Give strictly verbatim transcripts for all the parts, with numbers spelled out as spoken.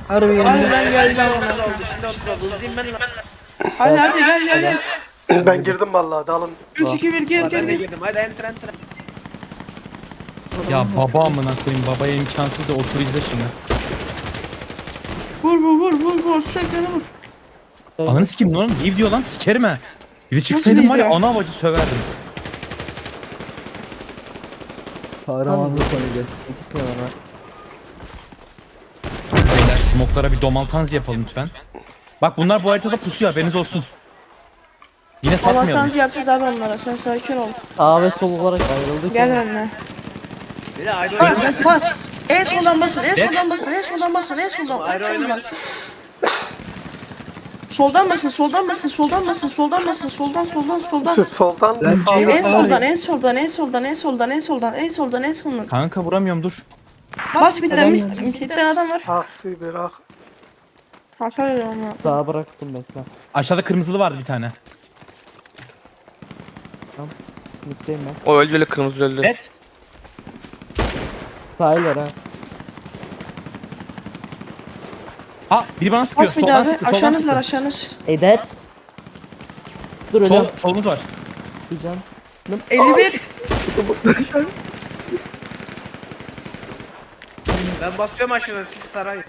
Harbi geldi. Harbiden geldi Ben ama. oldu. Şimdi oturma. Hızlıyım ben lan. Hadi hadi gel gel gel. Ben girdim vallahi dalın. üç iki bir gir Valla gir ben de gir. girdim. Hadi enter enter. Ya baba amına koyayım, babaya imkansız da otur izle şimdi. Vur vur vur vur vur sekene vur. Ananı sikeyim lan, leave diyor lan, sikerim ha. Bir de çıksaydım var ya, leave ya? ana avacı söverdim. Kahramanlık oynayacağız. İki tane var. Beyler smoklara bir domaltanz yapalım lütfen. Bak bunlar bu haritada pusuyor, haberiniz olsun. Yine Allah satmayalım. kanzi yapacağız abi onlara. Sen sakin ol. Sağ ve sol olarak ayrıldık. Gel ama benimle. Bir de ayrı Bas oynayalım. bas. En soldan basın. En soldan basın. En soldan basın. En soldan. En Ayrı soldan. oynamayalım. Soldan basın. Soldan basın. Soldan basın. Soldan basın. Soldan soldan soldan. Siz soldan Ben sağdan. En Var soldan, ya. en soldan, en soldan, en soldan, en soldan, en soldan, en soldan. Kanka vuramıyorum, dur. Bas bir tane, bir tane adam var. Aksi bir ah. Hasar ediyorum ya. Sağa bıraktım bekle. Aşağıda kırmızılı vardı bir tane. Mitteyim ben. O öldü öyle kırmızı öldü. Evet. Sahil var ha. Aa, biri bana sıkıyor. Bas bir Soldan daha be. sıkıyor, soldan Aşağınız var, sıkıyor. aşağınız. Edet. Dur Sol, öyle solumuz var. yapacağım. elli bir. Ben basıyorum aşağıdan siz sarayın.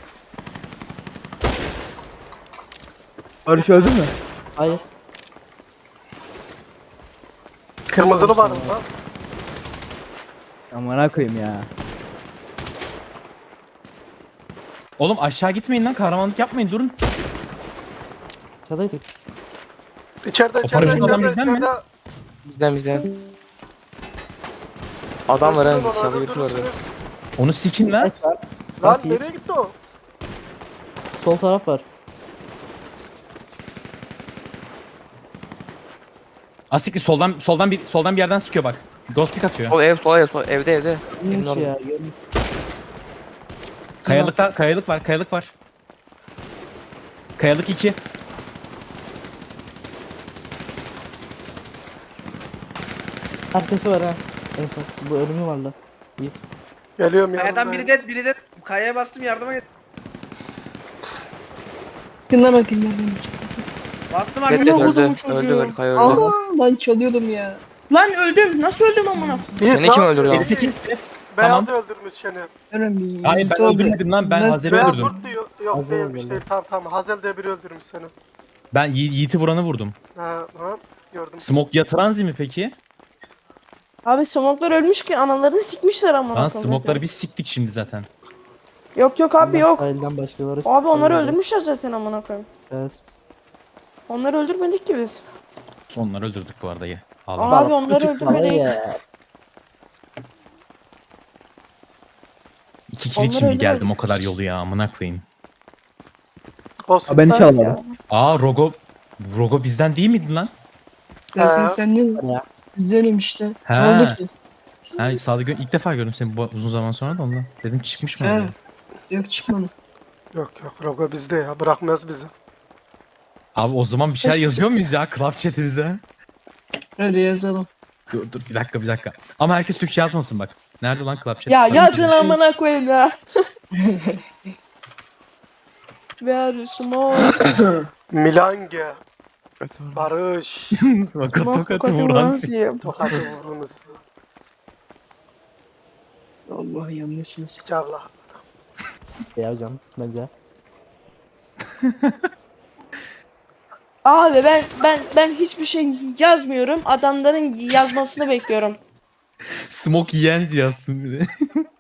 Barış öldü mü? Hayır. Kırmızılı var mı lan? Amına koyayım ya. Oğlum aşağı gitmeyin lan, kahramanlık yapmayın, durun. Çadaydık. İçeride O içeride paraşüt adam içeride bizden mi? içeride. Bizden bizden. Adam var ha. Öldürün onu, Dışarıda birisi var. öldürürsünüz. Onu sikin lan. Es var. Lan Nasıl? nereye gitti o? Sol taraf var. Asikli soldan soldan bir soldan bir yerden sıkıyor bak. Ghost pick atıyor. Sol ev, sol ev, sol evde evde. Neymiş Emin ya? olun. Görmüş. Kayalıkta kayalık var, kayalık var. Kayalık iki. Arkası var ha. En son. Bu ölümü var lan. İyi. Geliyorum Kayadan yanımda. biri de biri de kayaya bastım yardıma git. Yakından bakayım ben. Bastım Red artık. Dead vurdum öldü. bu çocuğu. Öldü öldü. Kaya öldü. Aa lan çalıyordum ya. Lan öldüm. Nasıl öldüm amına? Yiğit, Seni kim lan, öldürdü lan? yedi sekiz evet. Beyaz Tamam. öldürmüş seni. Öyle bir Hayır ben öldürmedim lan, ben Nasıl- Hazel'i Beyaz öldürdüm. vurdu diyor. Yok Hazel değilmiş öldürdü. değil. Tamam tamam. Hazel diye biri öldürmüş seni. Ben Yi- Yiğit'i vuranı vurdum. Ha ha. Gördüm. Smoke yatıranzi mi peki? Abi smoklar ölmüş ki analarını sikmişler amına. Lan koyayım smoke'ları zaten. biz siktik şimdi zaten. Yok yok abi yok. Sahilden başkaları. Abi onları öldürdü. öldürmüşler zaten amına koyayım. Evet. Onları öldürmedik ki biz. Onları öldürdük bu arada ya. Allah. Abi onları Küçük falan öldürmedik. ya. İki kill onları için mi geldim öldürmedik. o kadar yolu ya, amına koyayım. Olsun. Ben hiç Bak almadım. ya. Aa Rogo Rogo bizden değil miydi lan? Zaten Ha. sen ne? Ya. Sizdenim işte. Ha. Ne oldu ki? Ha sağda gö- ilk defa gördüm seni bu uzun zaman sonra da ondan. Dedim çıkmış mı? Ha. acaba? Yok çıkmadı. Yok yok. Rogo bizde ya. Bırakmaz bizi. Abi o zaman bir şeyler yazıyor muyuz ya club chat'imize? Hadi yazalım. Dur dur bir dakika bir dakika. Ama herkes Türkçe yazmasın bak. Nerede lan club chat? Ya Tabii ki yazın de. amına koyayım ya. Ver smoke. Milange. Evet, var. Barış. Tokat Smoke tokatı tokatı vuran vuran sik. siyem. Tokatı vurunuz. Allah yanlışız. Sikavla. Ya hocam bence. Abi ben ben ben hiçbir şey yazmıyorum. Adamların yazmasını bekliyorum. Smoke Yens yazsın bir de.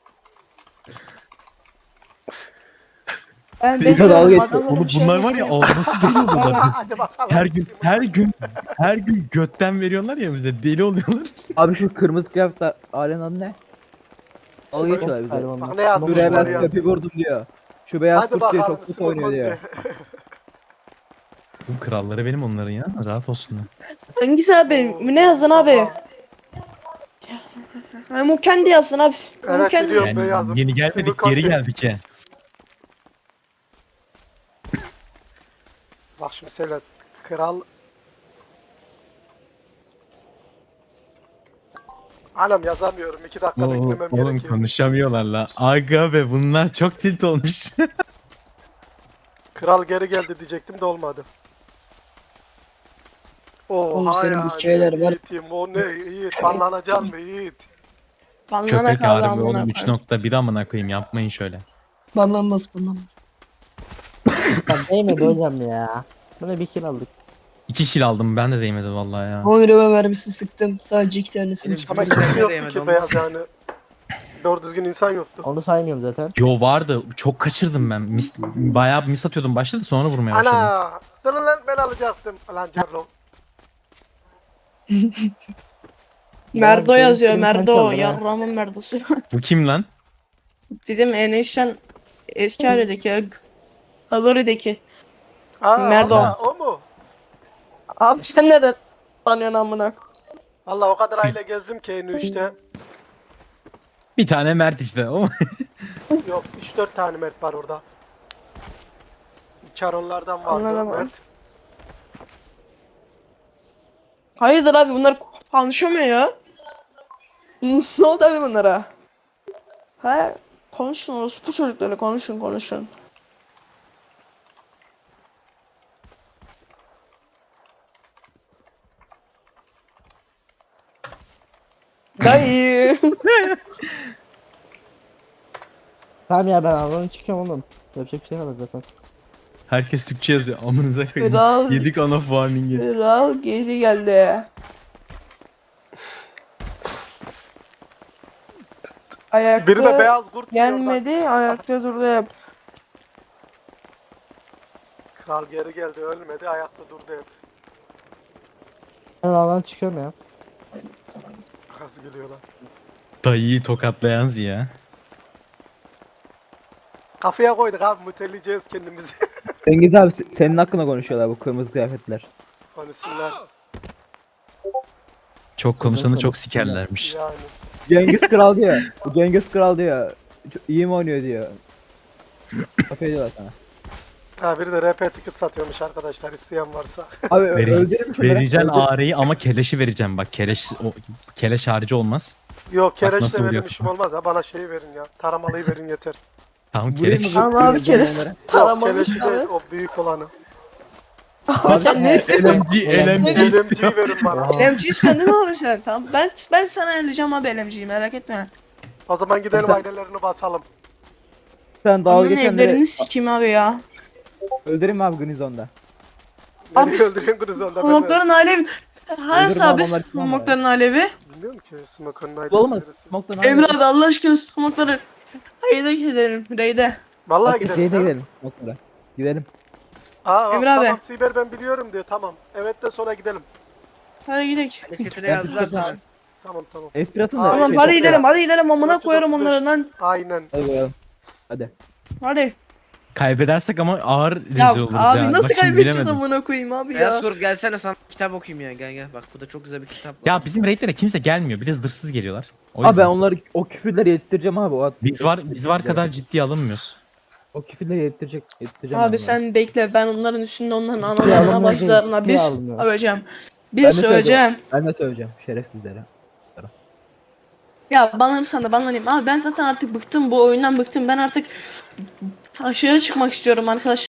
Ben Bir de dalga bekliyorum. geçiyor. Adamların Oğlum bir şey bunlar var ya yazmasını- ağlaması deli oluyorlar. Hadi bakalım. Her gün her gün her gün götten veriyorlar ya bize, deli oluyorlar. Abi şu kırmızı kıyafetler ailenin adı ne? Al geçiyorlar bize. Hayvanlar. Bak ne yazmış Şuraya var ben ya. sköpü vurdum diyor. Şu beyaz Hadi kurt diyor bakalım. çok kötü oynuyor Smoke diyor. Bu kralları benim onların ya, rahat olsunlar. Hangisi abi? Ne yazdın abi? Ha, bu kendi yazsın abi. Bu Evet, kendi. biliyorum. Yani beyazım. yeni gelmedik, Smoke geri diyor. geldik ya. Bak şimdi söyle. Kral. Anam yazamıyorum. iki dakika Oo, beklemem oğlum gerekiyor. konuşamıyorlar la. Aga be bunlar çok tilt olmuş. Kral geri geldi diyecektim de olmadı. Oğlum Oha senin ya. bu şeyler var. Yiğit'im o ne Yiğit. Banlanacaksın mı Yiğit? Banlana Köpek kaldı harbi amına oğlum üç koyayım. nokta bir amına koyayım yapmayın şöyle. Banlanmaz banlanmaz. Ya değmedi hocam ya. Buna bir kill aldık. iki kill aldım ben de değmedi vallahi ya. on lira mermisi sıktım. Sadece iki tanesini Benim- çıktı. Ama Kimse kimse yoktu değmedi, ki olmaz. beyaz yani. Doğru düzgün insan yoktu. Onu saymıyorum zaten. Yo vardı. Çok kaçırdım ben. Mis, bayağı bir mis atıyordum başladı sonra vurmaya başladım. Ana! Durun lan ben alacaktım. Lan Carlo. Merdo benim yazıyor. kırmızı Merdo. çaldı ha. Yarramın merdosu. Bu kim lan? Bizim enişten eski haredeki. Kalori'deki. Aa, Merdo. Allah, o mu? Abi sen nereden tanıyorsun amına? Allah o kadar aile gezdim ki en üçte. Bir tane Mert işte. O Yok üç dört tane Mert var orada. Çaronlardan vardı Anladım. Mert. Hayırdır abi bunlar konuşamıyor ya. Ne oldu abi bunlara? He? Konuşun orospu çocukları konuşun konuşun. Dayı. Tamam ya ben alanı çıkıyorum oğlum. Yapacak bir şey kalmadı zaten. herkes Türkçe yazıyor. Amınıza koyayım. Kral. Yedik ana warning'i. Kral geri geldi. Ayakta Biri de beyaz kurt diyor orada. gelmedi, ayakta durdu hep. Kral geri geldi ölmedi ayakta durdu hep. Ben alanı çıkıyorum ya. Nasıl gülüyorlar. Dayıyı tokatlayan Ziya. Kafaya koyduk abi müteleyeceğiz kendimizi. Cengiz abi se- senin hakkında konuşuyorlar bu kırmızı kıyafetler. Konuşsunlar Çok konuşanı çok sikerlermiş. yani. Cengiz Kral diyor. Bu Cengiz Kral diyor. Çok iyi mi oynuyor diyor. Laf ediyorlar sana. Ha biri de R P ticket satıyormuş arkadaşlar isteyen varsa. Abi Veri- öldürür mü şunları? Vereceksin Öldür- ağrıyı ama keleşi vereceğim bak. Keleş o, keleş harici olmaz. Yok kereç nasıl de vuruyor? benim işim olmaz ha bana şeyi verin ya. Taramalıyı verin yeter. Tamam Buraya keleş. mı- Ama abi kere Yok, taramamış Yok abi. keleşi de o büyük olanı. Abi sen ne istiyorsun? L M G, L M G L istiyor. M G'yi verin bana. L M G istiyorsun değil mi abi sen? Tamam ben ben sana ayarlayacağım abi L M G'yi merak etme. O zaman gidelim Sen- ailelerini basalım. Sen dalga Onların geçenleri evlerini sikeyim abi ya. öldüreyim mi abi Grison'da? Beni Abi, öldürüyorsun Grizon'da ben Homokların alevi. Hangi Öldürme abi adamlar kim ama? homokların alevi? bilmiyorum ki Smoke'un Olmaz. ailesi neresi. Smoke'dan Emre abi Allah aşkına homokları. Haydi gidelim Reyde. Vallahi Hadi gidelim. gidelim. ya. gidelim. Smoke'lara. Gidelim. Aa, Emre tamam abi. Siber ben biliyorum diyor tamam. Evet de sonra gidelim. Hadi gidelim. Chat'ine yazdılar sana. Tamam tamam. F bir atın da. Aa, Tamam Şey, hadi çok gidelim ya. hadi gidelim amına dört yüz koyarım otuz beş. onları lan. Aynen. Hadi bakalım. Hadi. Hadi. Kaybedersek ama ağır Ya rezil oluruz abi ya. nasıl Bak şimdi kaybedeceğiz bilemedim. amına koyayım abi Beyaz ya. Kurt gelsene sana kitap okuyayım ya gel gel. Bak bu da çok güzel bir kitap. var. Ya bizim raidlere kimse gelmiyor. Bir de zırhsız geliyorlar. O Abi yüzden. ben onları o küfürleri yedirteceğim abi. O, Biz var biz var kadar ciddiye alınmıyoruz. O küfürleri yedirtecek. yedirteceğim ben Abi onları. sen bekle ben onların üstünde onların Ya analarına alınmıyor, başlarına ciddiye bir alınmıyor. söyleyeceğim. Ben Bir de söyleyeceğim. Ben de söyleyeceğim şerefsizlere. Ya banlanırsan da banlanayım. Abi ben zaten artık bıktım bu oyundan bıktım. Ben artık aşağıya çıkmak istiyorum arkadaşlar.